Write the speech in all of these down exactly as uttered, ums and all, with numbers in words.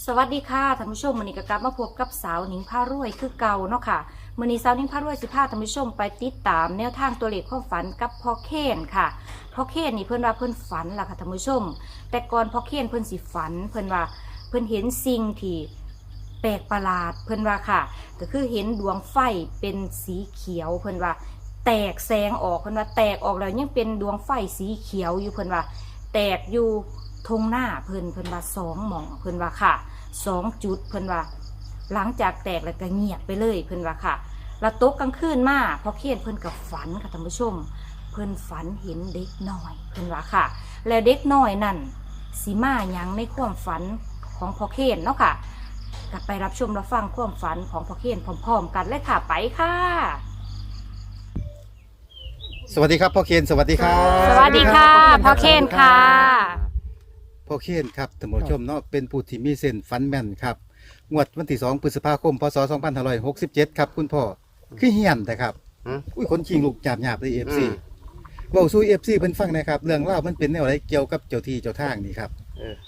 สวัสดีค่ะท่านผู้ชมมื้อนี้ก็กลับมาพบกับสาวหนิงพารวยคือเก่าเนาะค่ะมื้อนี้สาวหนิงพารวยสิพาท่านผู้ชมไปติดตามแนวทางตัวเลขความฝันกับพ่อเคนค่ะพ่อเคนนี่เพิ่นว่าเพิ่นฝันล่ะค่ะท่านผู้ชมแต่ก่อนพ่อเคนเพิ่นสิฝันเพิ่นว่าเพิ่นเห็นสิ่งที่แปลกประหลาดเพิ่นว่าค่ะก็คือเห็นดวงไฟเป็นสีเขียวเพิ่นว่าแตกแสงออกเพิ่นว่าแตกออกแล้วยังเป็นดวงไฟสีเขียวอยู่เพิ่นว่าแตกอยู่ทงหน้าเพิ่นเพิ่นว่าสองหม่องเพิ่นว่าค่ะสองจุดเพิ่นว่าหลังจากแตกแล้วก็เงียบไปเลยเพิ่นว่าค่ะแล้วตกกลางคืนมาพอเคียนเพิ่นกับฝันค่ะท่านผู้ชมเพิ่นฝันเห็นเด็กน้อยเพิ่นว่าค่ะแล้วเด็กน้อยนั่นสิมาหยังในความฝันของพอเคียนเนาะค่ะกลับไปรับชมรับฟังความฝันของพอเคียนพร้อมๆกันเลยค่ะไปค่ะสวัสดีครับพ่อเคนสวัสดีครับสวัสดีค่ะพ่อเคนค่ะพ่อเคนครับท่านผู้ชมเนาะเป็นผู้ที่มีเส้นฟันแม่นครับงวดวันที่สองพฤษภาคมพศสองพันห้าร้อยหกสิบเจ็ดครับคุณพ่อคือเฮียนแต่ครับอุ้ยคนชิงลูกจาบหยาบเลยเอฟซีเว้าสู้เอฟซีเพิ่นฟังนะครับเรื่องเล่ามันเป็นแนวอะไรเกี่ยวกับเจ้าที่เจ้าทางนี่ครับเออ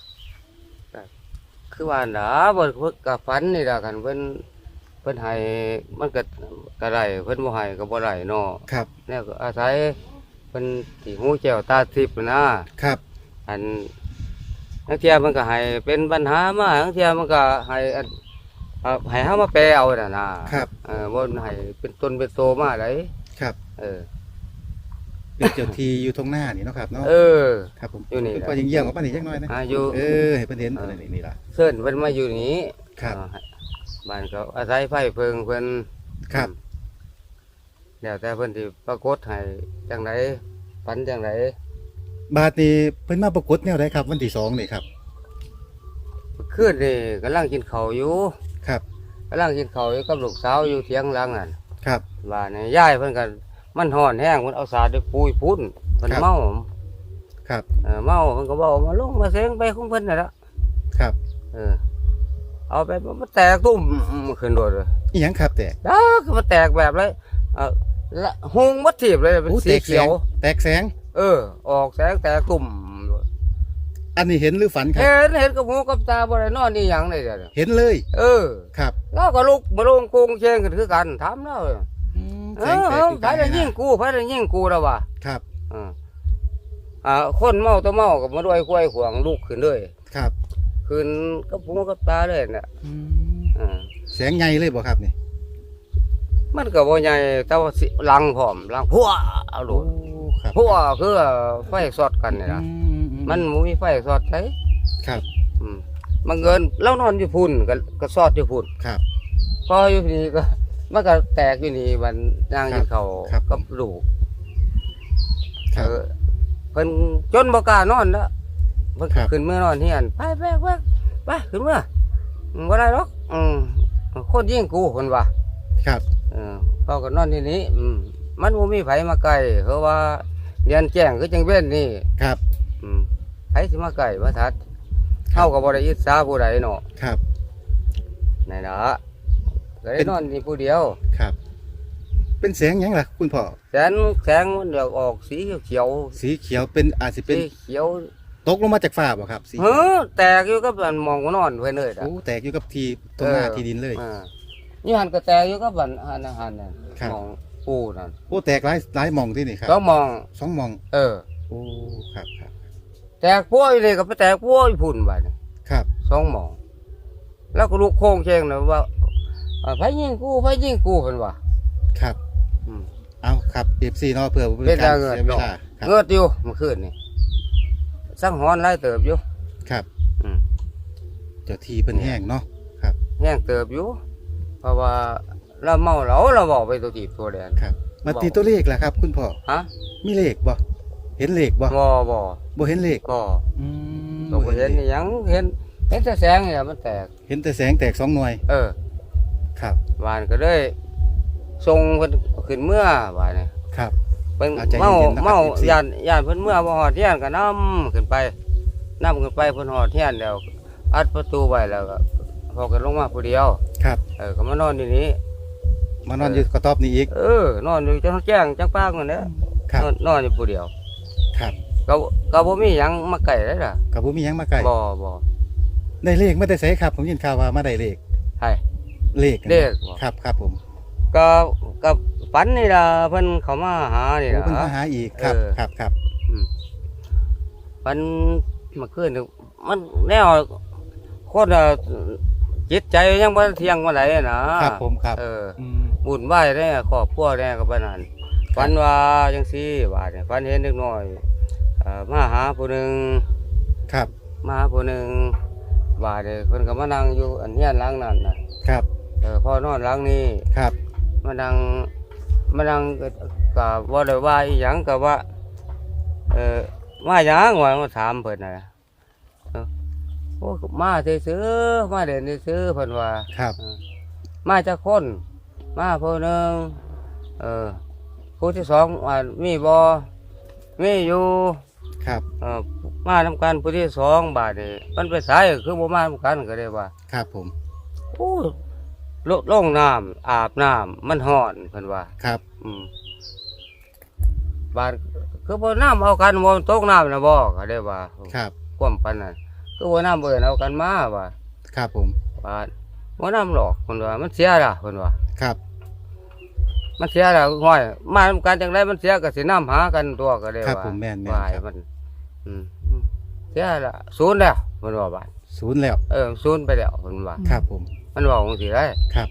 คือว่าหนาบ่เพิ่นก็ฝันนี่ล่ะกันเพิ่นเพิ่นให้มันก็ก็ได้เพิ่นบ่ให้ก็บ่ได้เนาะครับแนวก็อาศัยเพิ่นสิหูแก้วตาทิพย์นะครับอันบางเที่ยมันก็ให้เป็นปัญหามาบางเที่ยมันก็ให้อันเอ่อให้เฮามาแปลเอาน่ะนะครับเออบ่ให้เป็นตนเป็นโตมาได้ครับเออเป็นเจ้าที่อยู่ตรงหน้านี่เนาะครับเนาะเออครับผมอยู่นี่ก็ยังเยี่ยมกับปานนี้จักหน่อยนะอ่าอยู่เออให้เพิ่นเห็นอะไรนี่ล่ะเชิญเพิ่นมาอยู่นี่ครับบ้านก็อาศัยไฟเพิงเพิ่นครับแล้วแต่เพิ่นสิปรากฏให้จังไดฝันจังไดบาดนี้เพิ่นมาปรากฏแนวใดครับวันที่สองนี่ครับคืนนี่กำลังกินข้าวอยู่ครับกำลังกินข้าวอยู่กับลูกสาวอยู่เถียงหลังนั่นครับบ้านนี่ยายเพิ่นก็มันร้อนแห้งเพิ่นเอาสาดด้วยปุยพุ่นเพิ่นเมาครับเออเมาเพิ่นก็เว้ามาลงมาเสงไปของเพิ่นน่ะล่ะครับเออเอาไปมันแตกตุ้มขึ้นโดดเลยอีหยังครับแตกดาคือมันแตกแบบเลยเออละหงมัดถีบเลยเป็นสีเขียวแตกแสงเออออกแสงแตกตุ่มอันนี้เห็นหรือฝันครับเห็นเห็นกับหูกับตาบ่ได้นอนนี่หยังเลยเดี๋ยวเห็นเลยเออครับแล้วก็ลุกมาลงโกงเชงกันคือกันถามแล้วเออไผได้ยิงกูไผได้ยิงกูแล้วว่ะครับอ่าอ่าคนเมาตัวเมากับมาด้วยกล้วยขวางลูกขึ้นเลยครับขึ้นกับหูกับตาเลยน่ะอืมแสงใหญ่เลยบ่ครับนี่มันก็บ่ใหญ่แต่ว่าลังพร้อมลังพัวเอาโดดพัวคือไฟสอดกันนี่ล่ะมันบ่มีไฟสอดไสครับอืมมันเงินแล้วนอนอยู่พุ่นก็ก็สอดอยู่พุ่นครับพออยู่นี่ก็มันก็แตกอยู่นี่มันย่างกินข้าวกับลูกเออเพิ่นจนบ่กล้านอนแล้วเพิ่นขึ้นเมื่อนอนเฮียนไปแบกแบกไปขึ้นเมื่อบ่ได้หรอกอืมคนยิงกูเพิ่นว่าครับเออพอก็นอนที่นี้อืมมันบ่มีไผมาใกล้เพราะว่าเรียนแจ้งคือจังเว้นนี่ครับอืมไผสิมาใกล้ว่าทัดเฮาก็บ่ได้อิจฉาผู้ใดเนาะครับนั่นล่ะก็ได้นอนนี่ผู้เดียวครับเป็นแสงหยังล่ะคุณพ่อแสงแสงมันเดี๋ยวออกสีเขียวสีเขียวเป็นอาจสิเป็นสีเขียวตกลงมาจากฟ้าบ่ครับสีเออแตกอยู่กับมันมองนอนเพิ่นเลยโอ้แตกอยู่กับที่ตรงหน้าที่ดินเลยอ่านี่หันก็แตกอยู่กับบันหันหันนั่นมองปูนั่นโอ้แตกหลายหลายมองที่นี่ครับสองมองสองมองเออโอ้ครับครับแตกพัวอยู่นี่ก็ไปแตกพัวอยู่พุ่นบัดนี่ครับสองมองแล้วก็ลูกโค้งเชงน่ะว่าไผยิงกูไผยิงกูเพิ่นว่าครับอืมเอาครับ เอฟ ซี เนาะเพื่อเป็นการเสียเวลาเงือดอยู่เมื่อคืนนี่สังหอนหลายเติบอยู่ครับอืมเจ้าที่เพิ่นแห้งเนาะครับแห้งเติบอยู่เพราะว่าเราเมาเหล้าเราบอกไปตัวตีบตัวแดงครับมาตีตัวเลขล่ะครับคุณพ่อฮะมีเลขบ่เห็นเลขบ่บ่บ่บ่เห็นเลขบ่อืมก็บ่เห็นหยังเห็นเห็นแต่แสงนี่มันแตกเห็นแต่แสงแตกสองหน่วยเออครับบ้านก็เลยส่งเพิ่นขึ้นเมื่อบ้านนี่ครับเพิ่นเมาเมาย่านย่านเพิ่นเมื่อบ่ฮอดเฮียนก็นำขึ้นไปนำขึ้นไปเพิ่นฮอดเฮียนแล้วอัดประตูไว้แล้วก็พอกันลงมาผู้เดียวครับเออก็มานอนที่นี้มานอนอยู่กระต๊อบนี้อีกเออนอนอยู่จังแจ้งจังปากนั่นแหละนอนอยู่ผู้เดียวครับก็ก็บ่มีหยังมาใกล้เลยล่ะก็บ่มีหยังมาใกล้บ่บ่ได้เลขไม่ได้ใส่ครับผมยินข่าวว่ามาได้เลขใช่เลขเลขบ่ครับครับผมก็กับฝันนี่ล่ะเพิ่นเขามาหานี่โอ้ล่ะเพิ่นมาหาอีกครับเออครับครับอืมฝันเมื่อคืนนี่มันแนวคนอ่ะจิตใจยังบ่เที่ยงบ่ไหนนะครับผมครับเอออืมบุญไหว้แน่ครอบครัวแน่ก็ปานนั้นฝันว่าจังซี่ว่าเนี่ยฝันเห็นเด็กน้อยเอ่อมาหาผู้หนึงครับมาหาผู้หนึงว่าเนี่ยเพิ่นก็มานั่งอยู่อันเฮียนหลังนั้นน่ะครับเออพ่อนอนหลังนี้ครับมานั่งมานั่งก็ก็บ่ได้ว่าอีหยังก็ว่า เออมาหยังว่ามาถามเพิ่นน่ะเออโอ้มาซื่อๆมาเด่นซื่อๆเพิ่นว่าครับเออมาจากคน มาผู้หนึงเออผู้ที่สองว่ามีบ่มีอยู่ครับเออมานำกันผู้ที่สองบาดนี่มันไปสายคือบ่มานำกันก็ได้ว่าครับผมโอ้ลลงน้ำอาบน้ำมันร้อนเพิ่นว่าครับอืมบาดคือบ่น้ำเอากันบ่ตกน้ำนะบ่ก็ได้ว่าครับความปานนั้นคือบ่น้ำเบิ่นเอากันมาว่าครับผมบาดบ่น้ำหรอกเพิ่นว่ามันเสียล่ะเพิ่นว่าครับมันเสียแล้วห้อยมาทำการจังไดมันเสียก็สิน้ำหากันตัวก็ได้ครับว่าผมแม่นแม่นว่าครับมันอืมอืมเสียละศูนย์แล้วเพิ่นว่าบาดศูนย์แล้วเออศูนย์ไปแล้วเพิ่นว่าครับผมมันว่าจังซี่ได้ครับ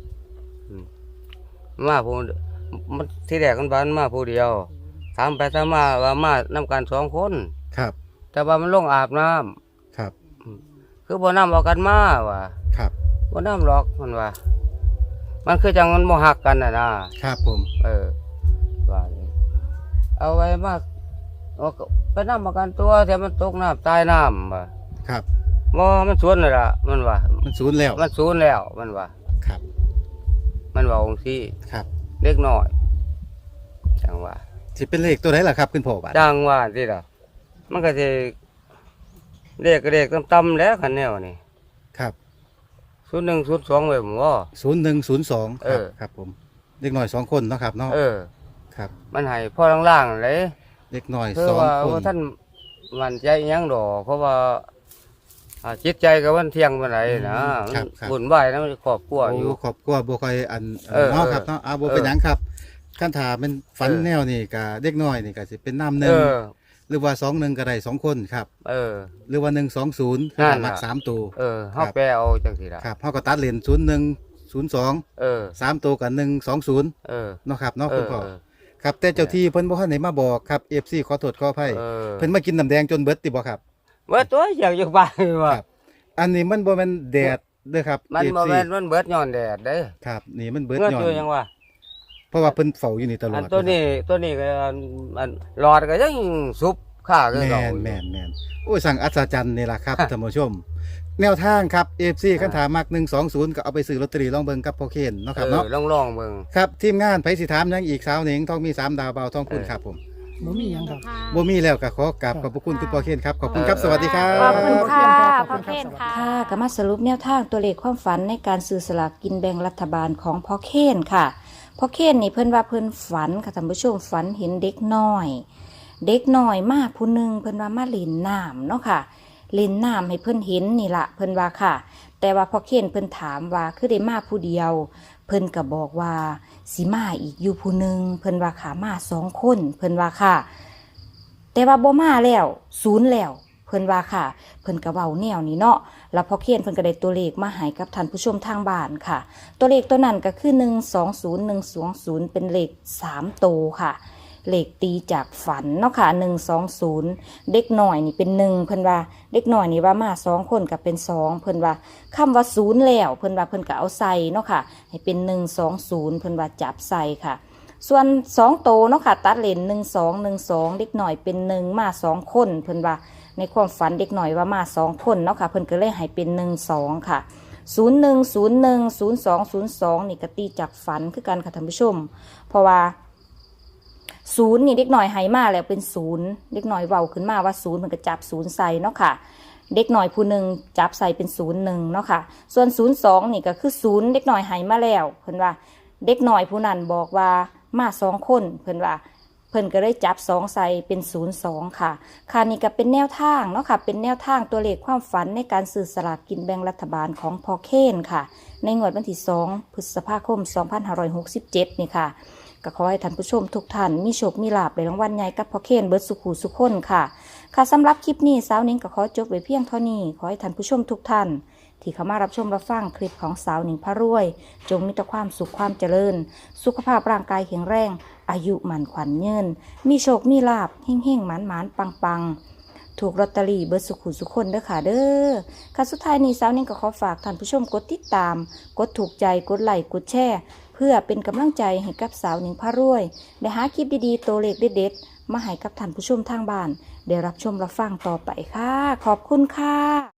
มาผู้มันที่แรกมันบานมาผู้เดียวถามไปถามมาว่ามานํกันสองคนครับแต่ว่ามันลงอาบน้ำครับคือบ่น้ำเอากันมาว่าครับบ่น้ำหรอกมันว่า มันคือจังมันบ่ฮักกันน่ะนะครับผมเออว่านี่เอาไว้มาเอาก็ไปน้ำเอากันตัวแต่มันตกน้ำตายน้ำว่าครับบ่มันสวนน่ะล่ะมันว่ามันศูนย์แล้วมันสูญแล้วมันว่าครับมันว่าองค์ที่ครับเล็กน้อยจังว่าสิเป็นเลขตัวไหนล่ะครับคุณพ่อบาดจังว่าที่ล่ะมันก็สิเลขก็เลขต่ำๆแล้วคันแนวนี่ครับศูนย์หนึ่งศูนย์สองไว้ผมว่าศูนย์หนึ่งศูนย์สองเอครับอครับผมเด็กหน่อยสองคนเนาะครับเนาะเออครับมันให้พ่อล่างๆเลยเด็กหน่อยเพราะสองว่าคนว่าท่านมันใจอิหยังดอกเพราะว่าอ่าจิตใจกับวันเที่ยงเมื่อไหร่นะมันบุญไหวายนะมันครอบครัวอยู่โครอบครัวบ่ค่อยอันเออเนาะเออครับเนาะอ่าบ่เออเป็นหยังครับคันถาเป็นฝันเออแนวนี่ก็เด็กน้อยนี่ก็สิเป็นน้ำหเอนึ่งอหรือว่าสองหนึ่งก็ได้สองคนครับเออหรือว่าหนึ่งสองศูนย์นั่นมักล่ะสามตัวเออเฮาแปลเอาจังซี่ล่ะครับเฮาก็ตัดเลนศูนย์หนึ่งศูนย์สองเออสามตัวกับหนึ่งสองศูนย์เออเนาะครับเนาะเอคุณอพ่อครับแต่เจ้าที่เพิ่นบ่ทันได้มาบอกครับ เอฟ ซี ขอโทษขออภัยเออเพิ่นมากินน้ำแดงจนเบิดติบ่ครับว่าตัวอยากอยู่บ้านว่าครับ อันนี้มันบ่แม่นแดดเด้อครับมันเอฟบ่ซีแม่นมันเบิดย้อนแดดเด้ครับ นี่มันเบิดเงื่อนย้อนตัวยังว่าเพราะว่าเพิ่นเฝ้าอยู่นี่ตลออัดนตัวนี้ตัวนี้ก็อันอันหลอดก็ยังสุบค่าคือแม่เก่านแม่นแม่นโอ้ยสั่งอัศจรรย์นี่ล่ะครับ ท่านผู้ชม แนวทางครับ เอฟ ซี คันถามักหนึ่งสองศูนย์ก็เอาไปซื้อลอตเตอรี่ลองเบิ่งกับพ่อเคนเนาะครับเนาะเออลองๆเบิ่งครับทีมงานไผสิถามหยังอีกสาวหนิงทองมีสามดาวเบาทองคุณครับผมบ่มีหยังครับบ่มีแล้วก็ขอกราบขอบพระคุณคุณพ่อเคนครับขอบคุณครับสวัสดีครัขอบคุณบค่ะขอบพ่อคุณเคนครับค่ะค่ะก็มาสรุปแนวทางตัวเลขความฝันในการซื้อสลากกินแบ่งรัฐบาลของพ่อเคนค่ะพ่อเคนนี่เพิ่นว่าเพิ่นฝันค่ะท่านผู้ชมฝันเห็นเด็กน้อย เด็กน้อยมาผู้หนึงเพิ่นว่ามาเล่นน้ำเนาะค่ะเล่นน้ำให้เพิ่นเห็นนี่ล่ะเพิ่นว่าค่ะ แต่ว่าพ่อเคนเพิ่นถามว่าคือได้มาผู้เดียว เพิ่นก็บอกว่าสิมาอีกอยู่ผู้หนึงเพิ่นว่าขามาสองคนเพิ่นว่าค่ะ แต่ว่าบ่มาแล้วศูนย์แล้วเพิ่นว่าค่ะ เพิ่นก็เว้าแนวนี้เนาะแล้วพอเขียนเพิ่นก็ได้ตัวเลขมาให้กับท่านผู้ชมทางบ้านค่ะ ตัวเลขตัวนั้นก็คือหนึ่งสองศูนย์ หนึ่งสองศูนย์เป็นเลขสามโตวค่ะเลขตีจากฝันเนาะค่ะหนึ่งสองศูนย์เด็กหน่อยนี่เป็นหนึ่งเพิ่นว่าเด็กหน่อยนี่ว่ามาสองคนก็เป็นสองเพิ่นว่าคำว่าศูนย์แล้วเพิ่นว่าเพิ่นก็เอาใส่เนาะค่ะให้เป็นหนึ่งสองศูนย์เพิ่นว่าจับใส่ค่ะ ส่วนสองโตเนาะค่ะตัดเลนหนึ่งสองหนึ่งสองเด็กหน่อยเป็นหนึ่งมาสองคนเพิ่นว่าในความฝันเด็กหน่อยว่ามาสองคนเนาะค่ะเพิ่นก็เลยให้เป็นหนึ่งสองค่ะศูนย์หนึ่งศูนย์หนึ่งศูนย์สองศูนย์สองนี่ก็ตีจากฝันคือกันค่ะท่านผู้ชม เพราะว่าศูนย์นี่เด็กหน่อยให้มาแล้วเป็นศูนย์เด็กหน่อยเว้าขึ้นมาว่าศูนย์มันก็จับศูนย์ใส่เนาะค่ะเด็กหน่อยผู้หนึ่งจับใส่เป็นศูนย์หนึ่งเนาะค่ะส่วนศูนย์สองนี่ก็คือศูนย์เด็กหน่อยให้มาแล้วเพิ่นว่าเด็กหน่อยผู้นั้นบอกว่ามาสองคนเพิ่นว่าเพิ่นก็เลยจับสองใส่เป็นศูนย์สองค่ะค่ะนี่ก็เป็นแนวทางเนาะค่ะเป็นแนวทางตัวเลขความฝันในการซื้อสลากกินแบ่งรัฐบาลของพอเคนค่ะในงวดวันที่สองพฤษภาคมสองพันห้าร้อยหกสิบเจ็ดนี่ค่ะก็ขอให้ท่านผู้ชมทุกท่านมีโชคมีลาภในรางวัลใหญ่กับพอเคนเบิร์ดสุขูสุขคนค่ะค่ะสำหรับคลิปนี้สาวนิ้งก็ขอจบไว้เพียงเท่านี้ขอให้ท่านผู้ชมทุกท่านที่เข้ามารับชมรับฟังคลิปของสาวหนิงพระรวยจงมีแต่ความสุขความเจริญสุขภาพร่างกายแข็งแรงอายุหมันขวัญยืนมีโชคมีลาภเฮ่งเฮ่งหมานหมานปังปังถูกลอตเตอรี่เบิร์ดสุขุสุขคนเด้อค่ะเด้อค่ะสุดท้ายนี้สาวหนิงก็ขอฝากท่านผู้ชมกดติดตามกดถูกใจกดไลค์กดแชร์เพื่อเป็นกำลังใจให้กับสาวหนิงพระรวยได้หาคลิปดีๆตัวเลขเด็ดๆมาให้กับท่านผู้ชมทางบ้านได้รับชมรับฟังต่อไปค่ะขอบคุณค่ะ